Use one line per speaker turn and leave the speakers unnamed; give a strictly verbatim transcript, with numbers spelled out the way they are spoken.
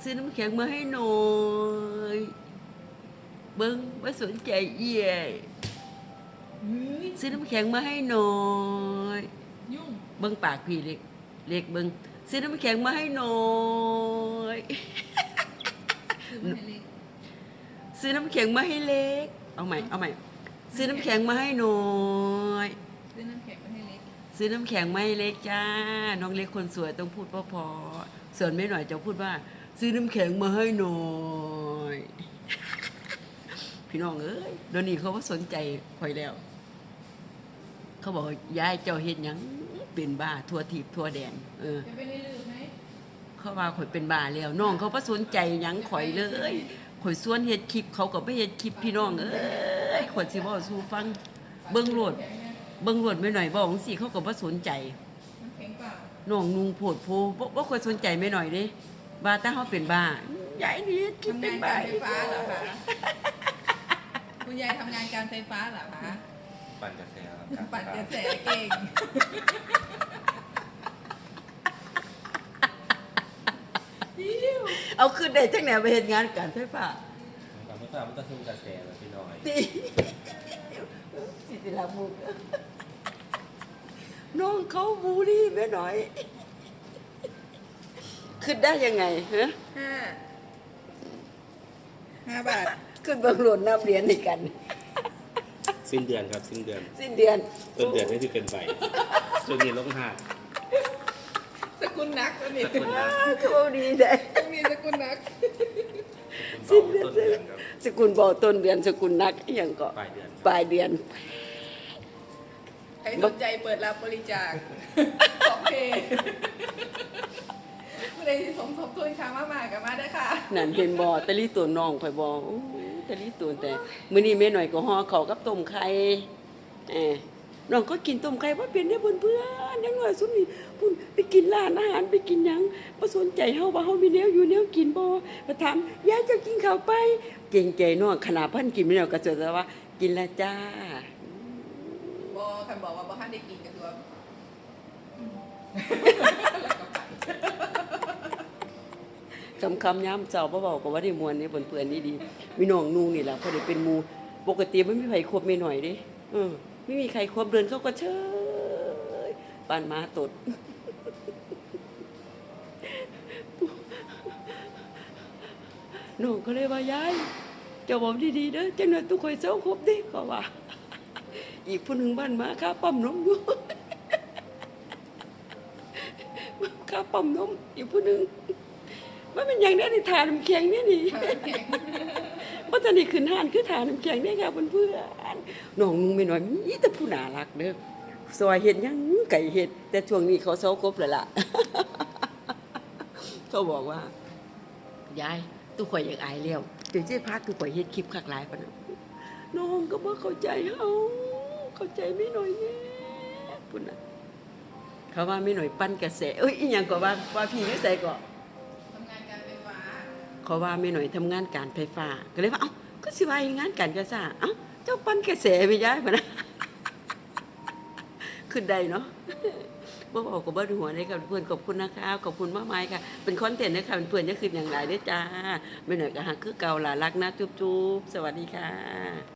ซื้อน้ำแข็งมาให้หน่อยเบิ้งไม่สนใจเอี่ยซื้อน้ำแข็งมาให้หน่อย
ยุ่ง
เบิ้งปากพี่เล็กเล็กเบิ้งซื้อน้ำแข็งมาให้หน่อย
ซื้อมาให้เล็ก
ซื้อน้ำแข็งมาให้เล็กเอาใหม่เอาใหม่ซื้อน้ำแข็งมาให้หน่อย
ซื้อน้ำแข็งมาให้เล็ก
ซื้อน้ำแข็งมาให้เล็กจ้าน้องเล็กคนสวยต้องพูดเพอๆส่วนแม่หน่อยจะพูดว่าซื้อน้ำแข็งมาให้หน่อยพี่น้องเอ้ยเดี๋ยวนี้เขาว่าสนใจคอยแล้วเขาบอกยายเจ้าเฮ็ดหยังเป็นบ้าทั่วทิพย์ทั่วแดนเออ
จะไปได้ลืมไหม
เขาว่าข่อยเป็นบ้าแล้วน้องเขาว่าสนใจหยังข่อยเลยข่อยส่วนเฮ็ดคลิปเขาก็ไม่เฮ็ดคลิปพี่น้องเอ้ยข่อยสิเว้าสู่ฟังเบิ่งโลดเบิ่งโลดไม่หน่อยบอกจังซี่เขาก็บ่สนใจ
น้ำแข็งเปล่า
น้องนุงโพดโพบ่บ่ค่อยสนใจไม่หน่อยเด้ว่าแต่เฮาเป็นบ้าใหญ่นี่คิดเป็นบ้า
ทำงานการไฟฟ้าเหรอคะคุณยายทำงานการไฟฟ้าเหรอคะ
ปั่นกระแสครับ
ปั่นกระแสเก่ง
เอาขึ้นได้จังไหนไปเฮ็ดงานการไฟฟ้า
การไฟฟ้ามันต้องซุ่มกระแสแล้วพี่น้อย
ติสิติลามุกน้องเขาบูลลี่แม่หน่อยขึ้นได้ยังไงฮะ
ห้าห้าบาท
ขึ้นเบิ่งโหลดนับเหรียญด้วยกัน
สิ้นเดือนครับสิ้นเดือน
สิ้นเดือน
ต้นเดือนนี่คือเป็นใบจนนี้ลงหา
สกุลนักตัวนี้
สกุลนัก
เขาดีได้
ต้องมีสกุลนัก
สิ้นเดือนสกุลบ่ต้นเดือนสกุลนักอย่างก็
ปลายเดือน
ปลายเดือน
ใครสนใจเปิดรับบริจาคของเพจไม่ได้สมทบทุนค้างมากๆกับมาได้ค่ะ
นั่นเห็นบ่ตะลี่ตัวน้องข่อยบ่ตะลี่ตัวแต่มื้อนี้แม่หน่อยก็ห่อข้าวกับต้มไข่เอ้น้องก็กินต้มไข่บ่เป็นเด้อเพื่อนๆยังน้อยสุดนี่พุ่นไปกินร้านอาหารไปกินหยังบ่สนใจเฮาว่าเฮามีแนวอยู่แนวกินบ่มาถามยายจะกินข้าวไปเก่งใจน้องขนาดเพิ่นกินแล้วก็จะว่ากินแล้วจ้า
บ่คันบอกว่าบ่ทันได้กินก็คือว่า
คำคำย้ำเจ้าพ่อบอกก็ว่าได้มวลนี่เพื่อนๆนี่ดีมีน้องนูนี่แหละพอได้เป็นมูปกติไม่มีใครคบไม่หน่อยดิเออไม่มีใครคบเดินเขาก็เชยปานม้าตดน้องก็เลยว่ายายเจ้าบอกดีๆเด้อจังหน่อยทุกคนเจ้าคบดิก็ว่าอีกผู้หนึ่งบ้านม้าข้าปั๊มนมอยู่ข้าปั๊มนมอีกผู้หนึ่งว่ามันอย่างนี้ในฐานน้ำแข็งนี่นี่ว่าตอนนี้ขึ้นหานคือฐานน้ำแข็งนี่ค่ะเพื่อนๆน้องนุ่งไม่น้อยมีแต่ผู้น่ารักเด้อซอยเห็ดยังไก่เห็ดแต่ช่วงนี้เขาเซาครบเลยล่ะเขาบอกว่ายายตู้ข่อยอยากอายแล้วเดี๋ยวจะพาตู้ข่อยเห็ดคลิปคักหลายปะนะน้องก็บ่เข้าใจเฮาเข้าใจไม่น้อยแน่พุ่นน่ะเขาว่าไม่น้อยปั้นกระแสเอ้ยอีหยังก็ว่าว่าพี่อยู่ไสก็เขาว่าไม่หน่อยทำงานการไฟฟ้าก็เลยว่าเอ้าก็สิว่างานการกระซ่าเอ้าเจ้าปั้นกระแสไปย้ายมานะขึ้นได้เนาะบ่บอกกับบ่หัวได้กับเพื่อนขอบคุณนะคะขอบคุณมากมายค่ะเป็นคอนเทนต์นะคะเพื่อนๆจะขึ้นอย่างไรได้จ้าไม่หน่อยก็หักคือเก่าล่ะรักนะจุ๊บๆสวัสดีค่ะ